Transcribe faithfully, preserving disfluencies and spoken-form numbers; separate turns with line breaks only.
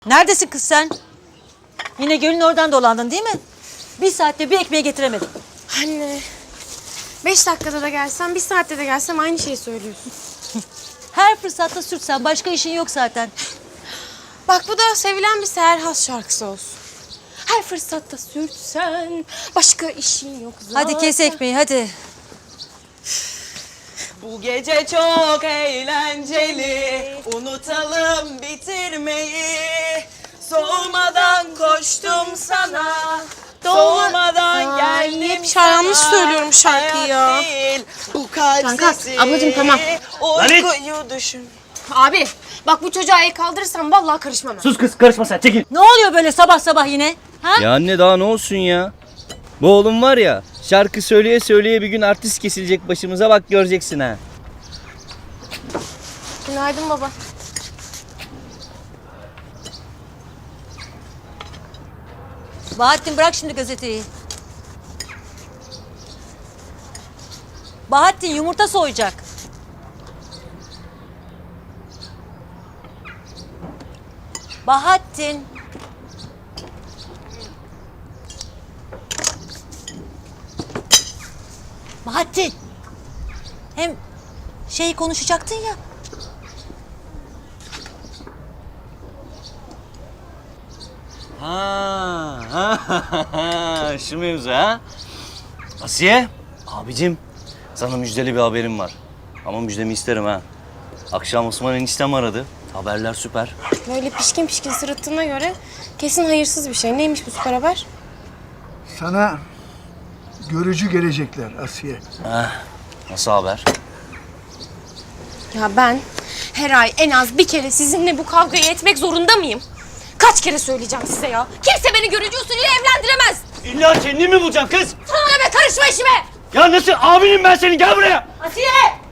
Neredesin kız sen? Yine gölün oradan dolandın değil mi? Bir saatte bir ekmeği getiremedim.
Anne, beş dakikada da gelsem, bir saatte de gelsem aynı şeyi söylüyorsun.
Her fırsatta sürtsen, başka işin yok zaten.
Bak bu da sevilen bir Seher Has şarkısı olsun. Her fırsatta sürtsen, başka işin yok zaten.
Hadi kes ekmeği hadi.
Bu gece çok eğlenceli, unutalım bitirmeyi. Soğumadan koştum sana, soğumadan geldim
hep
sana.
yanlış söylüyorum şarkıyı ya.
Hayat değil, bu kalp
Kanka,
sesi.
ablacığım tamam.
Uykuyu düşün.
Abi, bak bu çocuğa el kaldırırsam vallahi karışmam.
Sus kız, karışma sen, çekil.
Ne oluyor böyle sabah sabah yine? Ha?
Ya anne daha ne olsun ya? Bu oğlum var ya, şarkı söyleye söyleye bir gün artist kesilecek başımıza, bak göreceksin ha.
Günaydın baba.
Bahattin bırak şimdi gazeteyi. Bahattin yumurta soyacak. Bahattin. Bahattin. Hem şey konuşacaktın ya.
Ha, ha, ha, ha, şu mevzu ha. Asiye, abicim sana müjdeli bir haberim var. Ama müjdemi isterim ha. Akşam Osman eniştem aradı. Haberler süper.
Böyle pişkin pişkin sırıttığına göre kesin hayırsız bir şey. Neymiş bu süper haber?
Sana görücü gelecekler Asiye.
Nasıl haber?
Ya ben her ay en az bir kere sizinle bu kavgayı etmek zorunda mıyım? Kaç kere söyleyeceğim size ya? Kimse beni görücü usulüyle evlendiremez.
İlla kendini mi bulacaksın kız?
Sana ne be, karışma işime.
Ya nasıl abinim ben senin, gel buraya.
Asiye!